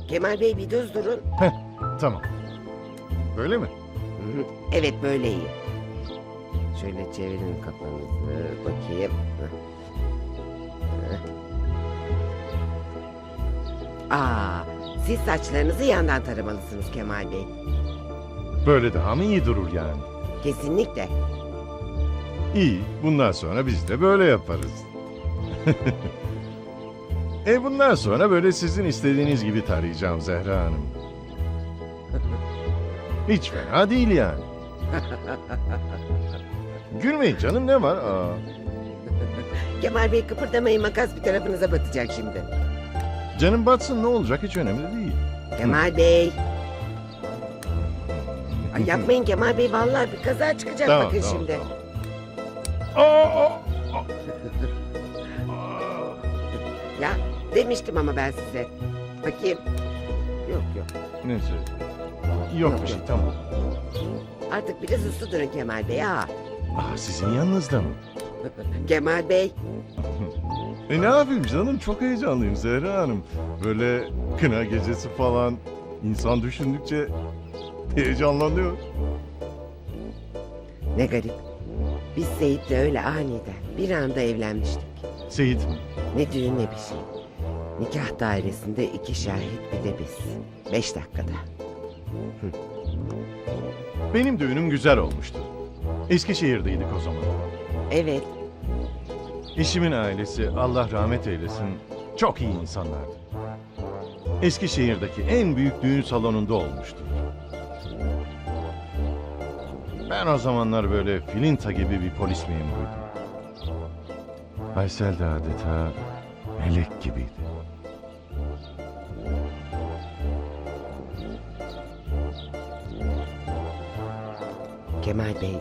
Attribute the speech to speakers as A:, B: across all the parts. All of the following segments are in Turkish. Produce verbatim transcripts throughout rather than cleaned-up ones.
A: Kemal Bey bir düz durun.
B: Heh, tamam. Böyle mi?
A: Hı hı, evet böyle iyi. Şöyle çevirin kafanızı bakayım. Heh. Heh. Aa, siz saçlarınızı yandan taramalısınız Kemal Bey.
B: Böyle daha mı iyi durur yani?
A: Kesinlikle.
B: İyi, bundan sonra biz de böyle yaparız. e bundan sonra böyle sizin istediğiniz gibi tarayacağım Zehra Hanım. Hiç fena değil yani. Gülmeyin canım, ne var? Aa,
A: Kemal Bey kıpırdamayın, makas bir tarafınıza batacak şimdi.
B: canım batsın, ne olacak, hiç önemli değil.
A: Kemal Bey. Ay yapmayın Kemal Bey, vallahi bir kaza çıkacak
B: Tamam,
A: bakın
B: tamam,
A: şimdi.
B: tamam. Aa, aa,
A: Ya demiştim ama ben size. Bakayım. Yok yok.
B: neyse. Yok bir şey, tamam.
A: Artık biraz uslu durun Kemal Bey ha.
B: Aa, sizin yanınızda mı?
A: Kemal Bey.
B: E ne yapayım canım, çok heyecanlıyım Zehra Hanım. Böyle kına gecesi falan, insan düşündükçe heyecanlanıyor.
A: Ne garip. Biz Seyit'le öyle aniden bir anda evlenmiştik.
B: Seyit mi?
A: Ne düğün ne bir şey. Nikah dairesinde iki şahit bir de biz. Beş dakikada.
B: Benim düğünüm güzel olmuştu. Eskişehir'deydik o zaman.
A: Evet.
B: Eşimin ailesi, Allah rahmet eylesin, çok iyi insanlardı. Eskişehir'deki en büyük düğün salonunda olmuştu. Ben o zamanlar böyle filinta gibi bir polis memuruydum. Aysel de adeta melek gibiydi.
A: Kemal Bey.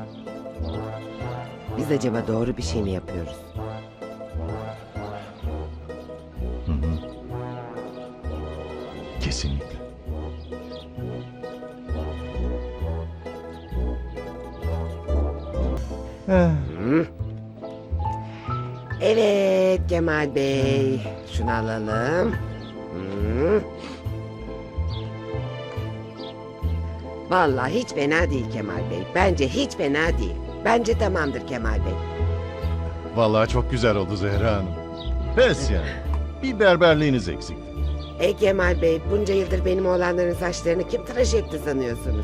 A: Biz acaba doğru bir şey mi yapıyoruz?
B: Hı hı. Kesinlikle. Eh,
A: Hı? Evet Kemal Bey. Şunu alalım. Hı. Vallahi hiç fena değil Kemal Bey. Bence hiç fena değil. Bence tamamdır Kemal Bey.
B: vallahi çok güzel oldu Zehra Hanım. Pes yani. Bir berberliğiniz eksikti.
A: E Kemal Bey, bunca yıldır benim oğlanların saçlarını kim tıraş etti sanıyorsunuz?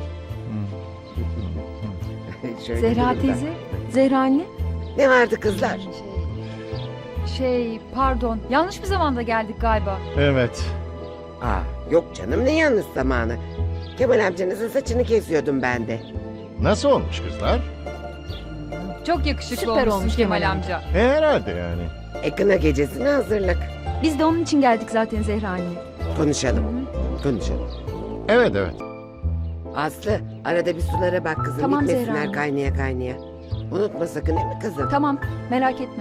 A: Şöyle
C: Zehra
A: durun da.
C: teyze, Zehra anne.
A: Ne vardı kızlar?
C: Şey, pardon. Yanlış bir zamanda geldik galiba.
B: Evet.
A: Aa, yok canım ne yanlış zamanı. Kemal amcanızın saçını kesiyordum ben de.
B: Nasıl olmuş kızlar?
C: Çok yakışıklı
D: Süper
C: olmuşsun
D: olmuş
C: Kemal
D: Kemal
C: amca.
B: E, herhalde yani.
A: E kına gecesine hazırlık.
C: Biz de onun için geldik zaten Zehra anne.
A: Konuşalım, konuşalım.
B: Evet evet.
A: Aslı, arada bir sulara bak kızım.
C: Tamam Zehra
A: Bitmesinler
C: Hanım.
A: kaynaya kaynaya. Unutma sakın değil mi kızım?
C: Tamam, merak etme.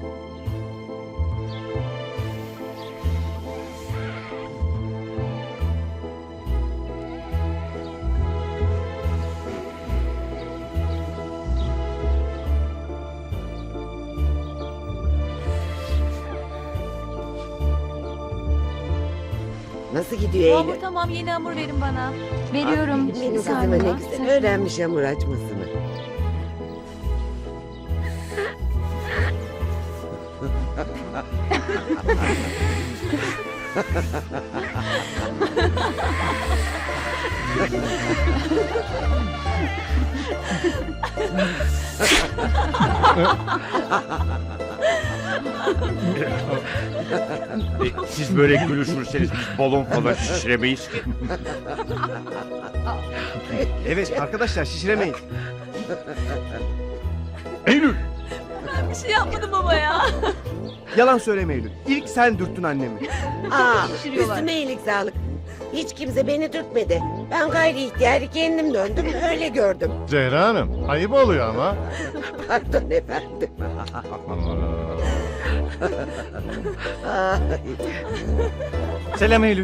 A: Nasıl gidiyor
D: Hamur
A: Eylül?
D: tamam, yeni hamur verin bana.
C: Veriyorum.
A: Aferin benim
C: Bir
A: kızıma
C: saniye.
A: ne güzel
C: Sen-
A: öğrenmiş hamur açmasını.
E: E, Siz böyle gülüşürseniz biz balon falan şişiremeyiz ki.
F: Evet arkadaşlar şişiremeyin.
B: Eylül!
D: Bir şey yapmadım baba ya.
F: Yalan söyleme Eylül. İlk sen dürttün annemi.
A: Aa,
D: şişiriyorlar.
A: üstüme iyilik sağlık. Hiç kimse beni dürtmedi. Ben gayri ihtiyari kendim döndüm, öyle gördüm.
B: Zehra Hanım, ayıp oluyor ama.
A: Pardon efendim. Ay.
F: Selam Eylül.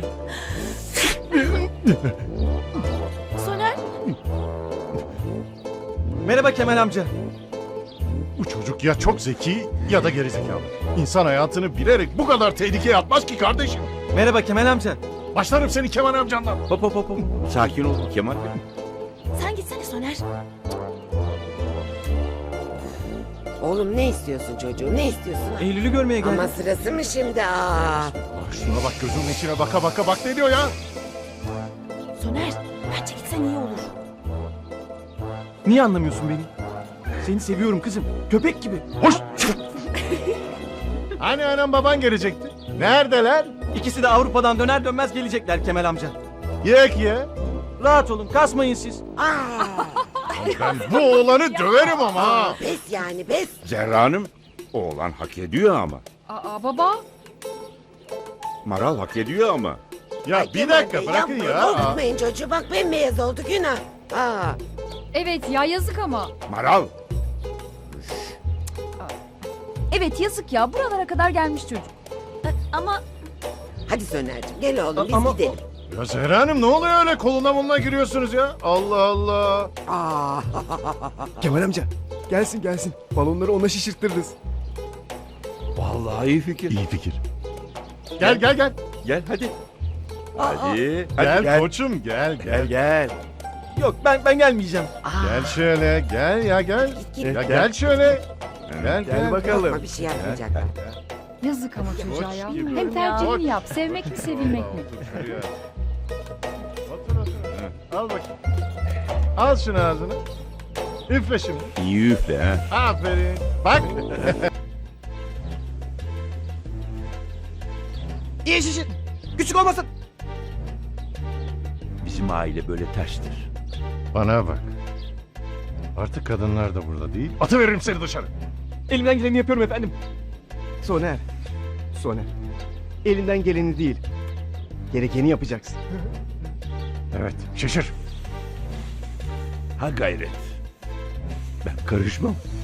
D: Soner.
F: Merhaba Kemal amca.
B: Bu çocuk ya çok zeki ya da gerizekalı. İnsan hayatını bilerek bu kadar tehlikeye atmaz ki kardeşim.
F: Merhaba Kemal amca.
G: Başlarım seni Kemal amcandan.
E: Hop hop hop. hop. Sakin ol Kemal Bey.
D: Sen gitsene Soner.
A: Oğlum ne istiyorsun çocuğum? Ne istiyorsun?
F: Eylül'ü görmeye geldim.
A: Ama sırası mı şimdi? Aa.
G: Ah, şuna bak gözümün içine baka baka bak ne diyor ya?
D: Soner, bence gitsen iyi olur.
F: Niye anlamıyorsun beni? Seni seviyorum kızım. Köpek gibi.
G: Hoş. Hani anam baban gelecekti? Neredeler?
F: İkisi de Avrupa'dan döner dönmez gelecekler Kemal amca.
G: Yek ye.
F: Rahat olun, kasmayın siz.
A: Aa.
G: Ben bu oğlanı döverim ama. ha.
A: Pes yani pes.
E: Zehra Hanım, oğlan hak ediyor ama.
C: Aa baba.
E: Maral hak ediyor ama.
G: Ya
A: Ay,
G: bir
A: Kemal
G: dakika
A: Bey,
G: bırakın
A: yapmayın,
G: ya.
A: Korkutmayın çocuğu. Bak bembeyaz oldu günah. Aa.
C: Evet ya yazık ama.
E: Maral.
C: Evet yazık ya buralara kadar gelmiş çocuk.
D: Ama
A: Hadi Soner'cim gel oğlum biz
F: Ama-
A: gidelim.
G: Ya Zehra Hanım ne oluyor öyle koluna moluna giriyorsunuz ya? Allah Allah.
A: Aa.
F: Kemal amca, gelsin gelsin. Balonları ona şişirttiririz.
E: Vallahi iyi fikir.
G: İyi fikir. Gel gel gel.
E: Gel hadi. Hadi. Hadi
G: Gel,
E: gel.
G: koçum gel gel.
E: Gel gel.
F: Yok ben ben gelmeyeceğim.
G: Gel şöyle gel ya gel.
A: Git, git.
G: Ya gel şöyle. Gel
F: Gel bakalım.
A: Korkma bir şey yapmayacaklar.
C: Yazık ama çocuğa ya.
G: gibi.
C: Hem
G: Koç.
C: tercihini yap. Sevmek mi sevilmek mi?
G: Otur şuraya. Otur otur. Al bakayım. Al şunu ağzına. Üfle şimdi.
E: İyi üfle ha.
G: Aferin. Bak.
F: İyi şişir. Küçük olmasın.
E: Bizim aile böyle terstir.
G: Bana bak. Artık kadınlar da burada değil. Atı veririm seni dışarı.
F: Elimden geleni yapıyorum efendim. Soner. Soner. Elinden geleni değil. Gerekeni yapacaksın.
G: Evet. Şişir.
E: Ha gayret. Ben karışmam.